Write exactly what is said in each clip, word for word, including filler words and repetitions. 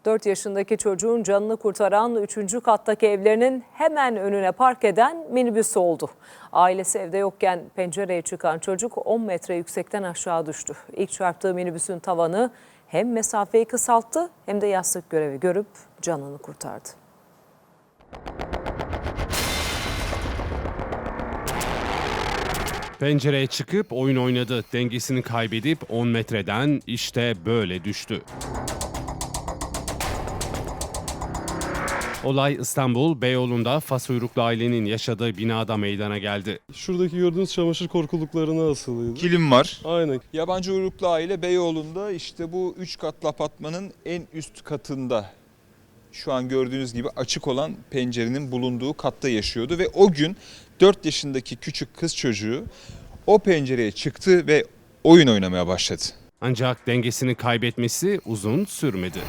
dört yaşındaki çocuğun canını kurtaran üçüncü kattaki evlerinin hemen önüne park eden minibüs oldu. Ailesi evde yokken pencereye çıkan çocuk on metre yüksekten aşağı düştü. İlk çarptığı minibüsün tavanı hem mesafeyi kısalttı hem de yastık görevi görüp canını kurtardı. Pencereye çıkıp oyun oynadı. Dengesini kaybedip on metreden işte böyle düştü. Olay İstanbul Beyoğlu'nda fas uyruklu ailenin yaşadığı binada meydana geldi. Şuradaki gördüğünüz çamaşır korkuluklarına asılıydı. Kilim var. Aynen. Yabancı uyruklu aile Beyoğlu'nda işte bu üç katlı apartmanın en üst katında şu an gördüğünüz gibi açık olan pencerenin bulunduğu katta yaşıyordu. Ve o gün dört yaşındaki küçük kız çocuğu o pencereye çıktı ve oyun oynamaya başladı. Ancak dengesini kaybetmesi uzun sürmedi.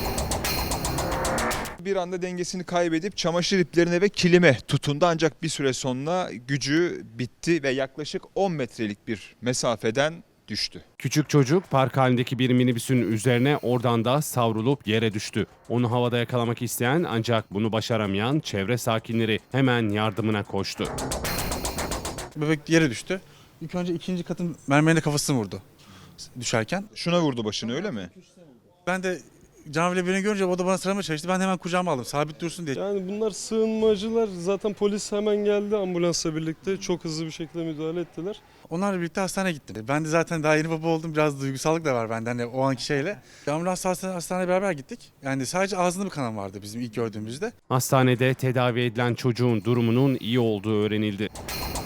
Bir anda dengesini kaybedip çamaşır iplerine ve kilime tutundu, ancak bir süre sonra gücü bitti ve yaklaşık on metrelik bir mesafeden düştü. Küçük çocuk park halindeki bir minibüsün üzerine oradan da savrulup yere düştü. Onu havada yakalamak isteyen ancak bunu başaramayan çevre sakinleri hemen yardımına koştu. Bebek yere düştü. İlk önce ikinci katın mermerine kafasını vurdu düşerken. Şuna vurdu başını, öyle mi? Ben de canavle birini görünce o da bana sıramaya çalıştı. Ben de hemen kucağıma aldım sabit dursun diye. Yani bunlar sığınmacılar. Zaten polis hemen geldi ambulansla birlikte. Çok hızlı bir şekilde müdahale ettiler. Onlarla birlikte hastaneye gittim. Ben de zaten daha yeni baba oldum. Biraz duygusallık da var bende hani o anki şeyle. Ambulans hastaneye, hastaneye beraber gittik. Yani sadece ağzında bir kanam vardı bizim ilk gördüğümüzde. Hastanede tedavi edilen çocuğun durumunun iyi olduğu öğrenildi.